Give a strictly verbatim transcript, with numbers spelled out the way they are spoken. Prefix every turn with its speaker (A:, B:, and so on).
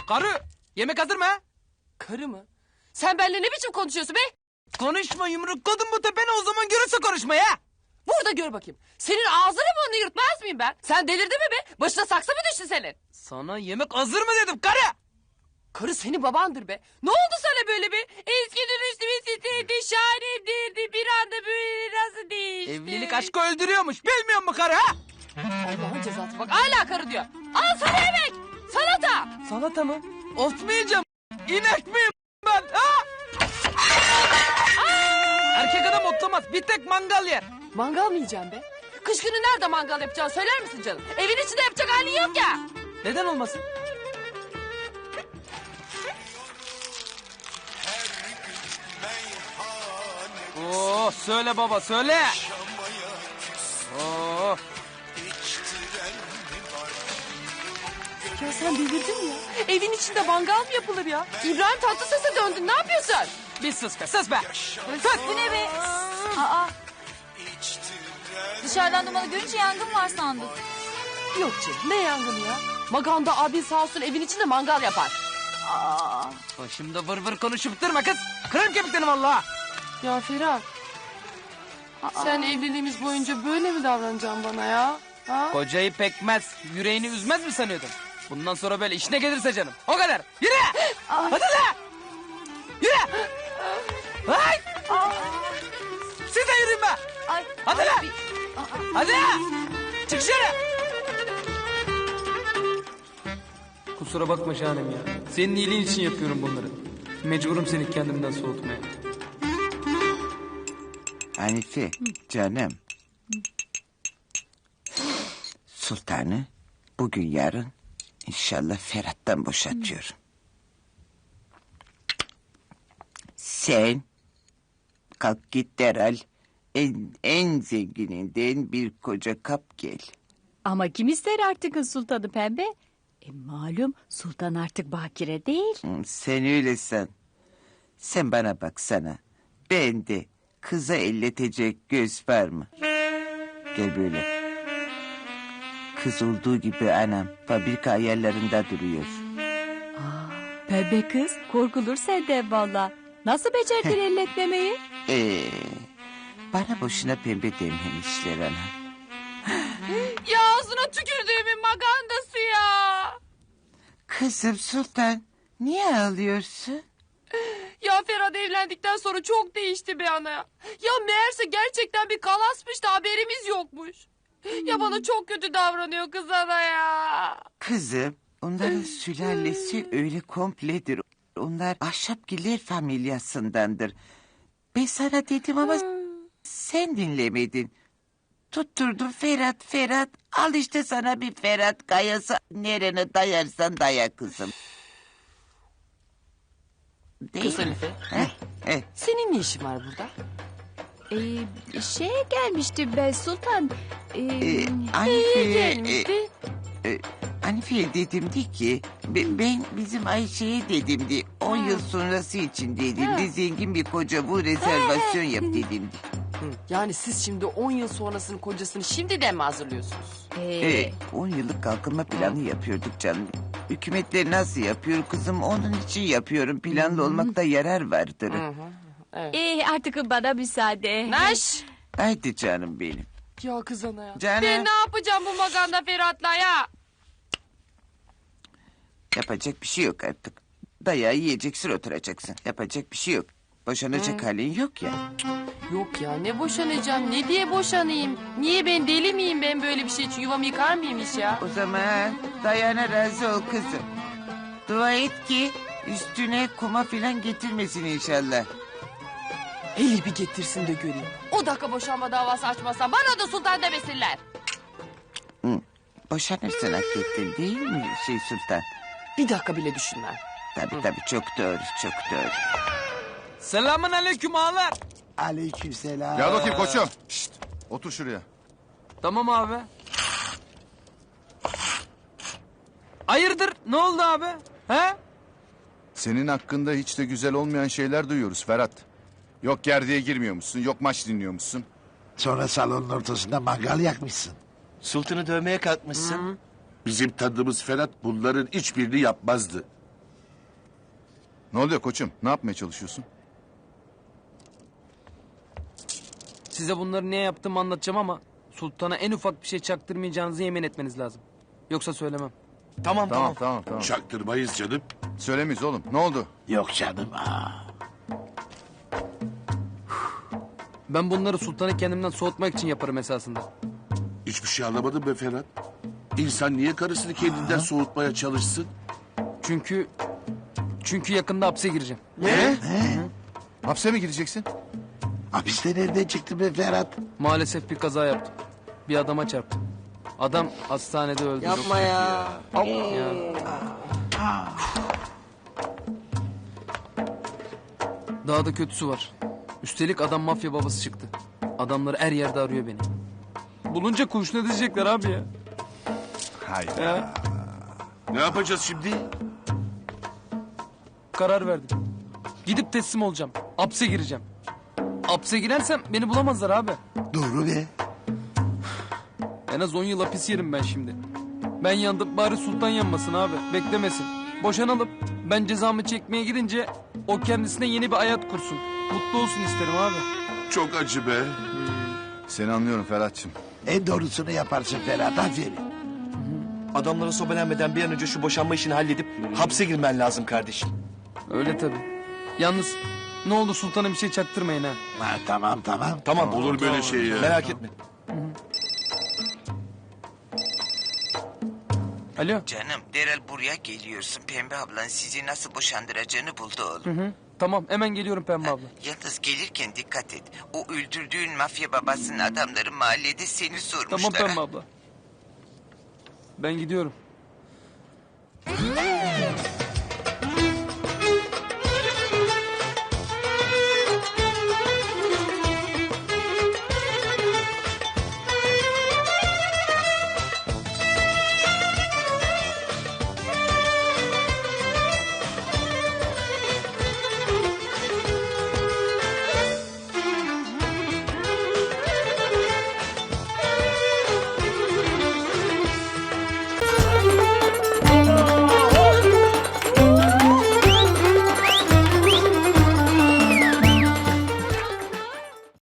A: karı. Yemek hazır mı?
B: Karı mı? Sen benimle ne biçim konuşuyorsun be?
A: Konuşma yumrukladım bu tepene o zaman görürse konuşma ya.
B: Burada gör bakayım. Senin ağzını burnunu yırtmaz mıyım ben? Sen delirdin mi be? Başına saksı mı düştü senin?
A: Sana yemek hazır mı dedim karı.
B: Karı senin babandır be. Ne oldu sana böyle bir? Eskiden üstüme titredi, şahanemdirdi. Bir anda böyle nasıl değişti?
A: Evlilik aşkı öldürüyormuş bilmiyor musun karı ha?
B: Allah'ın cezası bak hala karı diyor. Al sana yemek. Salata.
A: Salata mı? Otmayacağım. İnek miyim ben ha? Erkek adam otlamaz bir tek mangal yer.
B: Mangal mı yiyeceğim be? Kış günü nerede mangal yapacağını söyler misin canım? Evin içinde yapacak halin yok ya.
A: Neden olmasın? Oo, söyle baba söyle. Oo.
B: Ya sen delirdin mi ya? Evin içinde mangal mı yapılır ya? İbrahim Tatlıses'e döndün ne yapıyorsun?
A: Bir sus be sus be.
C: Sus bu ne be? Aa. Dışarıdan dumanı görünce yangın var sandık.
B: Yok canım ne yangını ya? Maganda abin sağ olsun evin içinde mangal yapar.
C: Aa.
A: Başımda vır vır konuşup durma kız. Kırarım kemiklerini vallahi.
B: Ya Ferhat. Sen evliliğimiz boyunca böyle mi davanan bana ya? Ha?
A: Kocayı pekmez, yüreğini üzmez mi sanıyordun? Bundan sonra böyle işine gelirse canım. O kadar. Yürü! Hadi lan! Yürü! Hay! Siz de yürüyün be!
C: Ay.
A: Hadi
C: ay,
A: lan!
C: bir-
A: Hadi! Çık dışarı! Kusura bakma Şahanem ya. Senin iyiliğin için yapıyorum bunları. Mecburum seni kendimden soğutmaya.
D: Hanife canım. Sultanı bugün yarın inşallah Ferhat'tan boşatıyorum. Sen kalk git derhal en, en zengininden bir koca kap gel.
E: Ama kim ister artık sultanı pembe? E, malum sultan artık bakire değil.
D: Hı, sen öyle san. Sen bana baksana. Ben de kıza elletecek göz var mı? Gel böyle. Kız olduğu gibi anam fabrika ayarlarında duruyor.
E: Pembe kız korkulur senden valla. Nasıl becerdin elletmemeyi?
D: Ee, bana boşuna pembe dememişler anam.
B: Ya ağzına tükürdüğümün magandası ya.
D: Kızım Sultan niye ağlıyorsun?
B: Ya Ferhat evlendikten sonra çok değişti be ana. Ya meğerse gerçekten bir kalasmış da haberimiz yokmuş. Ya bana çok kötü davranıyor kız ana ya.
D: Kızım onların sülalesi öyle kompledir. Onlar Ahşapgiller familyasındandır. Ben sana dedim ama sen dinlemedin. Tutturdun Ferhat Ferhat. Al işte sana bir Ferhat kayası. Nerene dayarsan daya kızım. Değil
B: Kız
D: mi?
B: Hanife.
D: Heh, heh.
B: Senin ne işin var burada?
E: Ee, şeye gelmiştim ben sultan. Ee,
D: Ee, Hanife,
B: Gelmişti.
D: e, e, Hanife'ye dedimdi ki be- ben bizim Ayşe'ye dedimdi on yıl sonrası için dedimdi zengin bir koca bu rezervasyon yap dedimdi.
B: Yani siz şimdi on yıl sonrasının kocasını şimdiden mi hazırlıyorsunuz?
E: ee,
D: Ee, on yıllık kalkınma planı yapıyorduk canım. Hükümetler nasıl yapıyor kızım onun için yapıyorum planlı olmakta yarar vardır.
E: ee, artık bana müsaade.
B: Naş!
D: Haydi canım benim.
B: Ya kız ana ya.
D: Canım.
B: Ben ne yapacağım bu maganda Ferhat'la ya?
D: Yapacak bir şey yok artık. Dayağı yiyeceksin oturacaksın. Yapacak bir şey yok. Boşanacak halin yok ya.
B: Yok ya ne boşanacağım ne diye boşanayım? Niye ben deli miyim ben böyle bir şey için yuvamı yıkar mıyım hiç ya?
D: O zaman dayana razı ol kızım. Dua et ki üstüne kuma filan getirmesin inşallah.
B: Hele bir getirsin de göreyim. O dakika boşanma davası açmazsa bana da sultan demesinler.
D: Hı. Boşanırsın hak ettin değil mi şey sultan?
B: Bir dakika bile düşünmem.
D: Tabii tabii çok doğru çok doğru.
A: Selamun aleyküm ağalar.
F: Aleykümselam. Gel bakayım koçum. Şşt, otur şuraya.
A: Tamam abi. Hayırdır ne oldu abi? He?
F: Senin hakkında hiç de güzel olmayan şeyler duyuyoruz Ferhat. Yok gerdiğe girmiyormuşsun, yok maç dinliyormuşsun.
G: Sonra salonun ortasında mangal yakmışsın.
H: Sultanı dövmeye kalkmışsın. Bizim tanıdığımız Ferhat bunların hiçbirini yapmazdı.
F: Ne oluyor koçum? Ne yapmaya çalışıyorsun?
A: Size bunları niye yaptığımı anlatacağım ama... Sultan'a en ufak bir şey çaktırmayacağınızı yemin etmeniz lazım. Yoksa söylemem.
H: Tamam
F: Tamam
H: tamam.
F: tamam tamam.
H: Çaktırmayız canım.
F: Söylemeyiz oğlum. Ne oldu?
G: Yok canım. Aa.
A: Ben bunları Sultan'ı kendimden soğutmak için yaparım esasında.
H: Hiçbir şey anlamadım be Ferhat. İnsan niye karısını kendinden soğutmaya çalışsın?
A: Çünkü... Çünkü yakında hapse gireceğim.
H: Ne?
F: Hapse mi gireceksin?
G: Hapiste nereden çıktı be Ferhat?
A: Maalesef bir kaza yaptım. Bir adama çarptım. Adam hastanede öldü.
I: Yapma ya.
A: Ya. Daha da kötüsü var. Üstelik adam mafya babası çıktı. Adamları her yerde arıyor beni. Bulunca kurşun edecekler abi ya.
F: Hayır.
A: ya.
H: Ne yapacağız şimdi?
A: Karar verdim. Gidip teslim olacağım. Hapse gireceğim. Hapse girersem beni bulamazlar abi.
G: Doğru be.
A: En az on yıl hapis yerim ben şimdi. Ben yandım bari Sultan yanmasın abi. Beklemesin. Boşanalım. Ben cezamı çekmeye gidince o kendisine yeni bir hayat kursun. Mutlu olsun isterim abi.
H: Çok acı be.
F: Seni anlıyorum Ferhat'cığım.
G: En doğrusunu yaparsın Ferhat. Aferin.
I: Adamlara sobelenmeden bir an önce şu boşanma işini halledip hapse girmen lazım kardeşim.
A: Öyle tabii. Yalnız ne oldu Sultan'a bir şey çaktırmayın ha.
G: Ha, tamam tamam.
I: Tamam
H: Olur böyle şey ya.
I: Merak etme.
A: Alo.
D: Canım derhal buraya geliyorsun. Pembe ablan sizi nasıl boşandıracağını buldu oğlum.
A: Hı hı. Tamam hemen geliyorum Pembe abla.
D: Yalnız gelirken dikkat et. O öldürdüğün mafya babasının adamları mahallede seni sormuşlar.
A: Tamam Pembe
D: ha.
A: abla. Ben gidiyorum.